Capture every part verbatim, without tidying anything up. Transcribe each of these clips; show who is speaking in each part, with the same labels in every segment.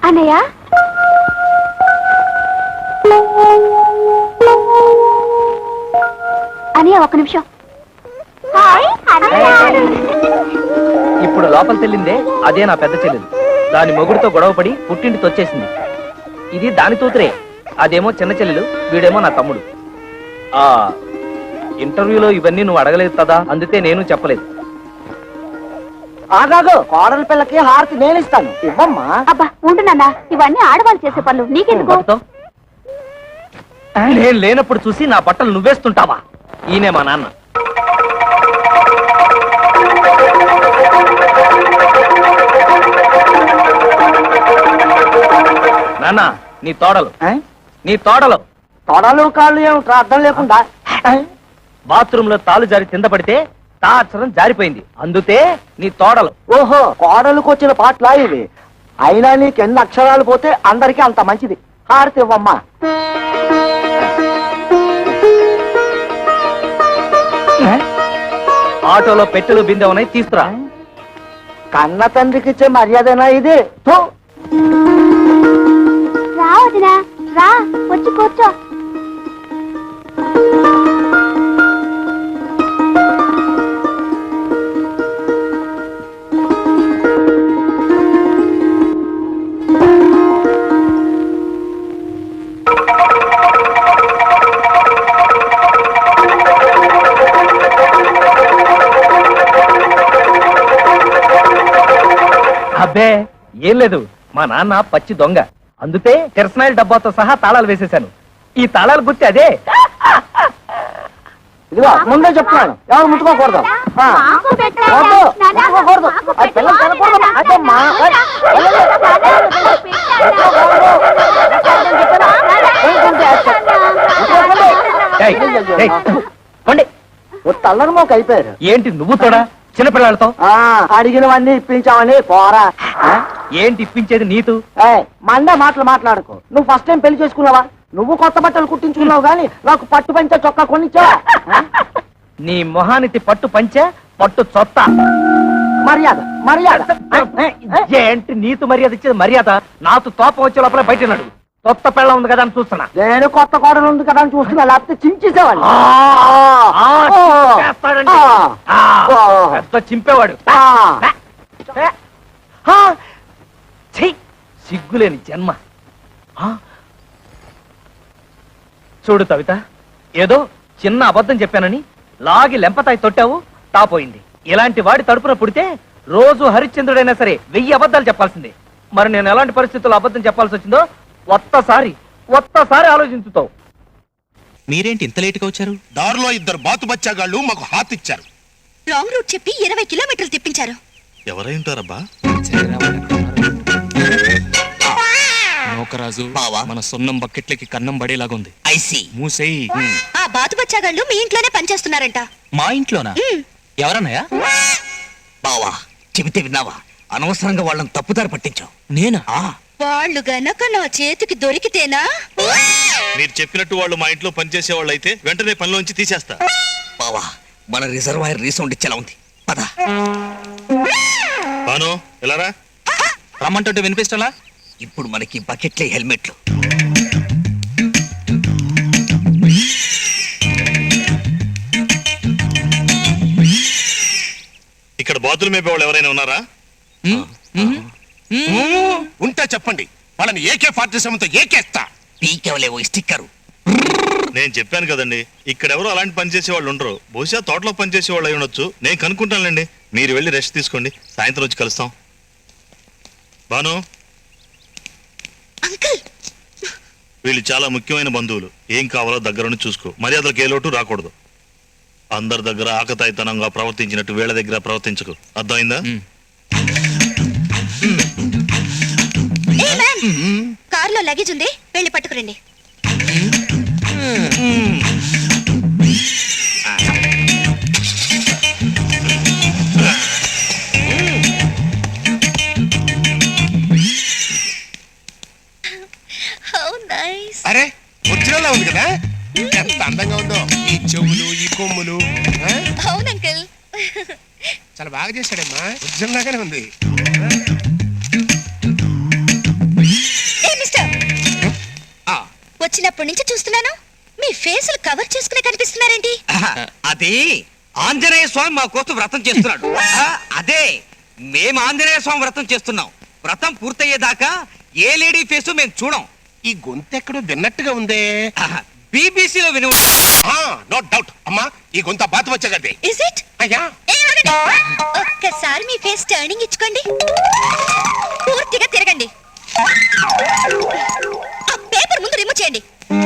Speaker 1: అన్నయ్య అన్నయ్య ఒక నిమిషం.
Speaker 2: ఇప్పుడు లోపల తెల్లిందే అదే నా పెద్ద చెల్లెలు. దాని మొగుడితో గొడవపడి పుట్టింటికి వచ్చేసింది. ఇది దాని తూతురే, అదేమో చిన్న చెల్లెలు, వీడేమో నా తమ్ముడు. ఆ ఇంటర్వ్యూలో ఇవన్నీ నువ్వు అడగలేదు కదా, అందుకే నేను చెప్పలేదు.
Speaker 3: ఆగాగు, కోడల పిల్లకి హారతి నేను ఇస్తాను, ఇవ్వమ్మా.
Speaker 1: అబ్బా ఉంటున్నా, ఇవన్నీ ఆడవాళ్ళు చేసే పనులు, నీకెందుకు?
Speaker 2: నేను లేనప్పుడు చూసి నా బట్టలు నువ్వేస్తుంటావా? ఈయనే మా నాన్న. నాన్న, నీ తోడలు నీ తోడలు
Speaker 3: తోడలు కాళ్ళు ఏమిట్రా అర్థం లేకుండా?
Speaker 2: బాత్రూమ్ లో తాలు జారి కింద పడితే తాచరం జారిపోయింది, అందుకే నీ తోడలు.
Speaker 3: ఓహో, కోడలకు వచ్చిన పాటలా ఇవి. అయినా నీకు ఎన్ని అక్షరాలు పోతే అందరికీ అంత మంచిది. హారతి ఇవ్వమ్మా.
Speaker 2: ఆటోలో పెట్టెలు బిందె ఉన్నాయి, తీసుకురా.
Speaker 3: కన్న తండ్రికి ఇచ్చే మర్యాదనా ఇది?
Speaker 1: రా వదినా, రా వచ్చి కూర్చో.
Speaker 2: అబ్బే ఏం లేదు, మా నాన్న పచ్చి దొంగ, అందుకే కిరసనాయిల డబ్బాతో సహా తాళాలు వేసేశాను. ఈ తాళాలు గుర్తి అదే.
Speaker 3: ఇదిగో ముందే చెప్తున్నాను, ఎవరు ముట్టుకోకూడదు. ముట్టుకోకూడదు, అది పిల్లలు తినకూడదు. అదమ్మా, తల్లరు మాకు అయిపోయారు.
Speaker 2: ఏంటి నువ్వు తోడా చిన్నపిల్లలతో?
Speaker 3: అడిగినవన్నీ ఇప్పించామని పోరా.
Speaker 2: ఏంటి ఇప్పించేది నీతు?
Speaker 3: మండే మాటలు మాట్లాడుకో. నువ్వు ఫస్ట్ టైం పెళ్లి చేసుకున్నావా? నువ్వు కొత్త బట్టలు కుట్టించుకున్నావు గానీ నాకు పట్టు పంచ చొక్కా కొనిచ్చా.
Speaker 2: నీ మొహానికి పట్టు పంచ పట్టు చొత్త.
Speaker 3: మర్యాద మర్యాద
Speaker 2: ఏంటి నీతు మర్యాద ఇచ్చేది? మర్యాద నాతో తోపం వచ్చే లోపల బయట నడు. కొత్త పిల్ల ఉంది కదా అని చూస్తున్నా.
Speaker 3: నేను కొత్త కోడలు ఉంది కదా అని చూస్తున్నా, లేకపోతే చించేసేవాళ్ళు.
Speaker 2: చింపేవాడు. సిగ్గులేని జన్మ. చూడు కవిత, ఏదో చిన్న అబద్ధం చెప్పానని లాగి లెంపతాయి తొట్టావు, తాపోయింది. ఇలాంటి వాడి తడుపున పుడితే రోజు హరిశ్చంద్రుడైనా సరే వెయ్యి అబద్ధాలు చెప్పాల్సిందే. మరి నేను ఎలాంటి పరిస్థితుల్లో అబద్ధం చెప్పాల్సి వచ్చిందో ఒక్కసారి ఒక్కసారి ఆలోచించుతావు.
Speaker 4: మీరేంటి ఇంత లేటుగా వచ్చారు?
Speaker 5: దారిలో ఇద్దరు బాతు బచ్చాగాళ్ళు మాకు హాత్ ఇచ్చారు.
Speaker 6: రాంగ్ రూట్ చెప్పి ఇరవై కిలోమీటర్లు తిప్పించారు.
Speaker 5: ఎవరై ఉంటారబ్బా?
Speaker 4: నోకరాజు, మన సొన్నం బకెట్లకి కన్నం పడేలాగుంది.
Speaker 5: ఐసి
Speaker 4: మూసేయి.
Speaker 6: ఆ బాతు బచ్చాగాళ్ళు మీ ఇంట్లోనే పనిచేస్తున్నారంట.
Speaker 4: మా ఇంట్లోనా? ఎవరన్నాయా?
Speaker 5: బావా, చెబితే విన్నావా? అనవసరంగా వాళ్ళని తప్పుదారి పట్టించావు.
Speaker 4: నేనా?
Speaker 6: వాళ్ళు గనక నా చేతికి దొరికితేనా?
Speaker 5: మీరు చెప్పినట్టు వాళ్ళు మా ఇంట్లో పనిచేసే వాళ్ళు అయితే వెంటనే పనిలోంచి తీసేస్తా. బావా, మన రిజర్వాయర్ రీసౌండ్ ఇచ్చేలా ఉంది, పద. బాను, ఎలారా?
Speaker 4: రమ్మంటుంటే వినిపిస్తలా?
Speaker 5: ఇప్పుడు మనకి బకెట్లే హెల్మెట్లు. ఇక్కడ బాతులు మేపే వాళ్ళు ఎవరైనా ఉన్నారా? ఉంటే చెప్పండి, వాళ్ళని ఏకే ఫార్టీ సెవెన్ తో ఏకేస్తా. పీకేవలేవో స్టిక్కరు. నేను చెప్పాను కదండి, ఇక్కడెవరో అలాంటి పని చేసే వాళ్ళు ఉండరు. బహుశా తోటలో పనిచేసే వాళ్ళు అయి ఉండొచ్చు. నేను కనుక్కుంటానులేండి, మీరు వెళ్ళి రెస్ట్ తీసుకోండి, సాయంత్రం వచ్చి కలుస్తాం. బాను, వీళ్ళు చాలా ముఖ్యమైన బంధువులు. ఏం కావాలో దగ్గరుండి చూసుకో. మర్యాదలకు ఏ లోటు రాకూడదు. అందరి దగ్గర ఆకతాయితనంగా ప్రవర్తించినట్టు వీళ్ళ దగ్గర ప్రవర్తించకు, అర్థమైందా?
Speaker 6: కారులో లగేజ్ ఉంది, వెళ్ళి పట్టుకురండి.
Speaker 5: అరే, వచ్చినలా ఉంది కదా, ఎంత అందంగా ఉందో. ఈ చెవులు, ఈ కొమ్ములు.
Speaker 6: అవును అంకుల్,
Speaker 5: చాలా బాగా చేశాడమ్మా, ఉద్యమం లాగానే ఉంది.
Speaker 6: ఫేసులు కవర్ చేసుకునే కనిపిస్తున్నారేంటి?
Speaker 7: అది ఆంజనేయ స్వామి మా కోసం వ్రతం చేస్తున్నాడు. ఆ, అదే మేము ఆంజనేయ స్వామి వ్రతం చేస్తున్నాం. వ్రతం పూర్తయ్యేదాకా ఏ లేడీ ఫేసు మేము చూడం.
Speaker 5: ఈ గొంతు ఎక్కడో విన్నట్టుగా ఉందే.
Speaker 7: బీబీసీలో విని
Speaker 5: నో డౌట్ అమ్మా, ఈ గొంత బాతు వచ్చగదే.
Speaker 6: Is it?
Speaker 5: అయ్యా
Speaker 6: ఒక్కసారి మీ ఫేస్ టర్నింగ్ ఇచ్చుకోండి. పూర్తిగా తిరగండి. ఆ పేపర్ ముందు రిమూవ్ చేయండి.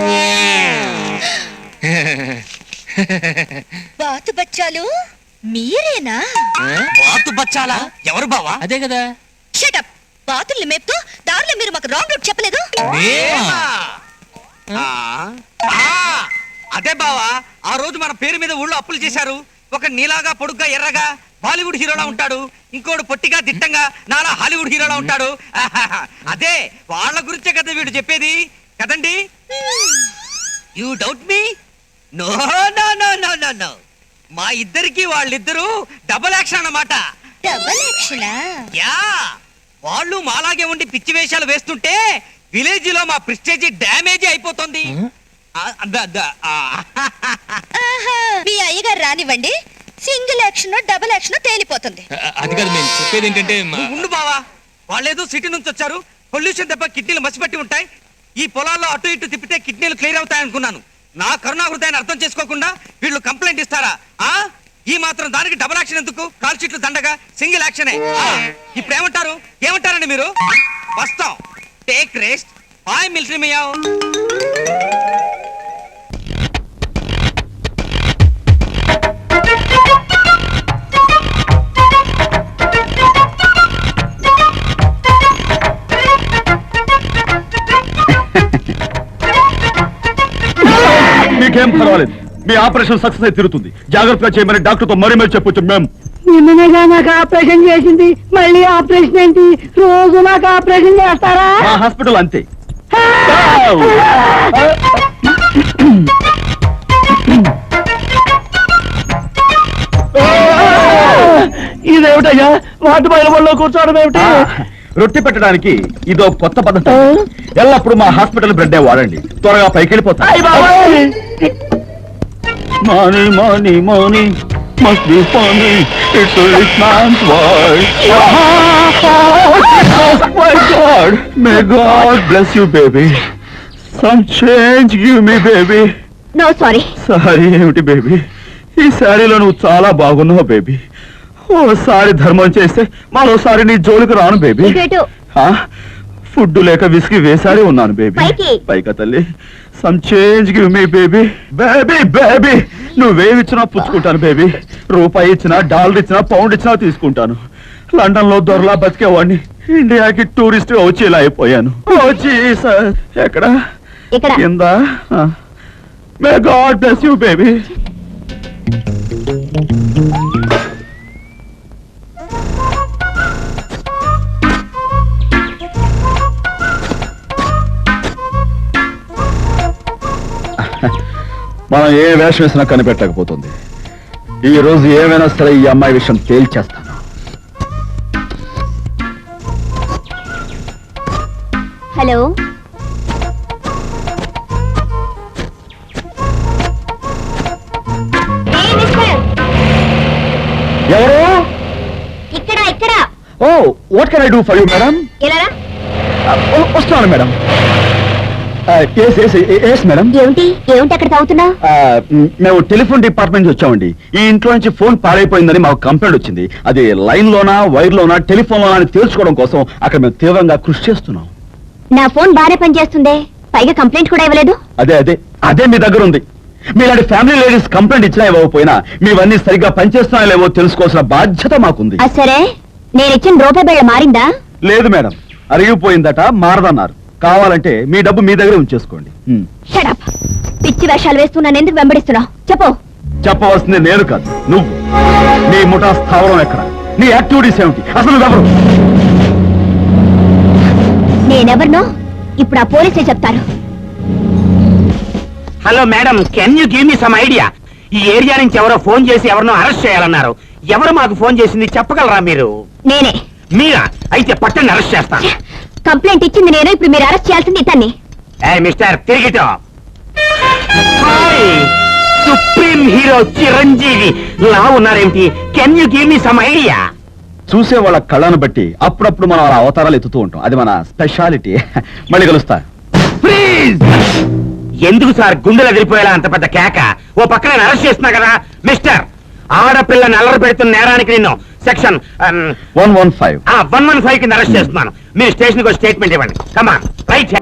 Speaker 6: బాతు బచ్చాలు మీరేనా?
Speaker 7: బాతు బచ్చాలా? ఎవరు బావా?
Speaker 4: అదే కదా.
Speaker 6: షటప్. బాతుల్ని మేపుతూ దారిలో మీరు మాకు రాంగ్ రూట్ చెప్పలేదు.
Speaker 7: మేమా? ఆ, ఆ, అదే బావా, ఆ రోజు మన పేరు మీద ఊళ్ళో అప్పులు చేశారు. ఒక నీలాగా పొడుగ్గా ఎర్రగా బాలీవుడ్ హీరోలా ఉంటాడు, ఇంకోడు పొట్టిగా దిట్టంగా నాలా హాలీవుడ్ హీరోలా ఉంటాడు. ఆహాహా, అదే వాళ్ళ గురించే కదా వీడు చెప్పేది కదండి. You doubt me? No no no no no no మా ఇద్దరికి వాళ్ళిద్దరూ డబుల్ యాక్షన్ అన్నమాట.
Speaker 6: డబల్ యాక్షనా?
Speaker 7: యా, వాళ్ళు మాలాగే ఉండి పిచ్చి వేషాలు వేస్తుంటే విలేజ్ లో మా ప్రెస్టేజ్ డ్యామేజ్ అయిపోతుంది. ఆ, ద- ద- ఆ.
Speaker 6: ఆహా, మీ అయ్యగారు రానివ్వండి, సింగిల్ యాక్షన్ డబుల్ యాక్షన్ తేలిపోతుంది.
Speaker 4: అ- అది కాదు, మేము చెప్పేది ఏంటంటే మా-
Speaker 7: నువ్వు ఉండు బావా, వాళ్ళేదో సిటీ నుంచి వచ్చారు, పొల్యూషన్ దెబ్బ కిడ్నీలు మసిపట్టి ఉంటాయి. ఈ పొలాల్లో అటు ఇటు తిప్పితే కిడ్నీలు క్లియర్ అవుతాయి అనుకున్నాను. నా కరుణా హృదయాన్ని అర్థం చేసుకోకుండా వీళ్ళు కంప్లైంట్ ఇస్తారా? ఆ ఈ మాత్రం దానికి డబుల్ యాక్షన్ ఎందుకు? కాల్ షీట్లు దండగా సింగిల్ యాక్షనే. ఇప్పుడు ఏమంటారు? ఏమంటారండి మీరు? వస్తాం, take rest. Hi military meow.
Speaker 8: మీకేం పర్వాలేదు, మీ ఆపరేషన్ సక్సెస్ అయి తిరుగుతుంది. జాగ్రత్తగా చేయమని డాక్టర్ తో మరీ మరీ చెప్పొచ్చు మేము.
Speaker 3: నిన్నగా నాకు ఆపరేషన్ చేసింది, మళ్ళీ ఆపరేషన్ ఏంటి? రోజు నాకు ఆపరేషన్ చేస్తారా?
Speaker 8: మా హాస్పిటల్ అంతే.
Speaker 3: ఇదేమిటయ్యా వాటి బయలులో కూర్చోవడం ఏమిటి?
Speaker 8: రొట్టె పెట్టడానికి ఇదో కొత్త పద్ధతి. ఎల్లప్పుడు మా హాస్పిటల్ బ్రెడ్ వాడండి, త్వరగా పైకి వెళ్ళిపోతా. Money, money, money must be funny. It's a rich man's world. Oh my God! May God bless you, baby. Some change give me, baby.
Speaker 1: No sorry.
Speaker 8: Sorry ఏమిటి బేబీ? ఈ శారీలో నువ్వు చాలా బాగున్నావు బేబీ. ఓసారి ధర్మం చేస్తే మరోసారి నీ జోలికి రాను బేబీ.
Speaker 1: ఇటు.
Speaker 8: ఫుడ్ లేక విసిగి వేసారి ఉన్నాను బేబీ.
Speaker 1: పైకి.
Speaker 8: పైకా తల్లి. Some change give me baby. Baby baby నువ్వేమిచ్చినా పుచ్చుకుంటాను బేబీ. రూపాయి ఇచ్చినా, డాలర్ ఇచ్చినా, పౌండ్ ఇచ్చినా తీసుకుంటాను. లండన్ లో దొరలా బతికేవాడిని ఇండియాకి టూరిస్ట్ వచ్చి ఇలా అయిపోయాను. వచ్చి ఎక్కడ
Speaker 1: ఇక్కడ.
Speaker 8: కింద. May god bless you baby. మనం ఏ వేషం వేసినా కనిపెట్టకపోతుంది. ఈ రోజు ఏమైనా సరే ఈ అమ్మాయి విషయం తేల్చేస్తాను.
Speaker 1: హలో,
Speaker 8: ఎవరు?
Speaker 1: ఇక్కడ ఇక్కడ.
Speaker 8: Oh what can I do for you madam?
Speaker 1: ఎలా?
Speaker 8: వస్తున్నాను మేడం. మేడం
Speaker 1: ఏమిటి ఏమిటి అక్కడ తాగుతున్నా?
Speaker 8: మేము టెలిఫోన్ డిపార్ట్మెంట్ నుంచి వచ్చామండి. ఈ ఇంట్లో నుంచి ఫోన్ పాడైపోయిందని మాకు కంప్లైంట్ వచ్చింది. అది లైన్ లోనా, వైర్ లోనా, టెలిఫోన్ లోనా అని తేల్చుకోవడం కోసం అక్కడ మేము తీవ్రంగా కృషి చేస్తున్నాం.
Speaker 1: నా ఫోన్ బాగానే పనిచేస్తుంది, పైగా కంప్లైంట్ కూడా ఇవ్వలేదు.
Speaker 8: అదే అదే అదే మీ దగ్గర ఉంది. మీలాంటి ఫ్యామిలీ లేడీస్ కంప్లైంట్ ఇచ్చినా ఇవ్వకపోయినా మీవన్నీ సరిగ్గా పనిచేస్తున్నా లేవో తెలుసుకోవాల్సిన బాధ్యత మాకుంది.
Speaker 1: అది సరే, నేను ఇచ్చిన రూపాయి బిళ్ళ మారిందా?
Speaker 8: లేదు మేడం, అరిగిపోయిందట, మారదన్నారు. కావాలంటే మీ డబ్బు మీ దగ్గర ఉంచేసుకోండి.
Speaker 1: షడప్. పిచ్చి వేషాలు వేస్తూ నన్ను ఎందుకు వెంబడిస్తున్నావు? చెప్పు.
Speaker 8: చెప్పవలసింది నేను కాదు, నువ్వు. నీ ముఠా స్థావరం ఎక్కడ? నీ యాక్టివిటీస్ ఏమిటి? అసలు నువ్వెవరు?
Speaker 1: నేనెవరినో ఇప్పుడు ఆ పోలీసే చెప్తారు.
Speaker 3: Hello madam, can you give me some idea? ఈ ఏరియా నుంచి ఎవరో ఫోన్ చేసి ఎవరినో అరెస్ట్ చేయాలన్నారు. ఎవరు మాకు ఫోన్ చేసింది చెప్పగలరా మీరు?
Speaker 1: నేనే.
Speaker 3: మీరా? అయితే పట్టండి, అరెస్ట్ చేస్తాను.
Speaker 1: కంప్లైంట్ ఇచ్చింది నేను, ఇప్పుడు మీరు అరెస్ట్ చేయాల్సింది ఇతన్ని.
Speaker 3: మిస్టర్ తిరిగితో హాయ్ సుప్రీం హీరో చిరంజీవి లా ఉన్నారేమిటి? Can you give me some idea?
Speaker 8: చూసే వాళ్ళ కళ్ళను బట్టి అప్పుడప్పుడు మనం అలా అవతారాలు ఎత్తుతూ ఉంటాం, అది మన స్పెషాలిటీ. మళ్ళీ కలుస్తా.
Speaker 3: ప్లీజ్ ఎందుకు సార్ గుండెలు ఎదిరిపోయేలా అంత పెద్ద కేక? ఓ పక్కన నేను అరెస్ట్ చేస్తున్నా కదా మిస్టర్. ఆడపిల్లని అల్లరి పెడుతున్న నేరానికి నిన్ను section
Speaker 8: one one five
Speaker 3: one one five కింద అరెస్ట్ చేస్తున్నాను. మీరు స్టేషన్ కి స్టేట్మెంట్ ఇవ్వండి. Come on right.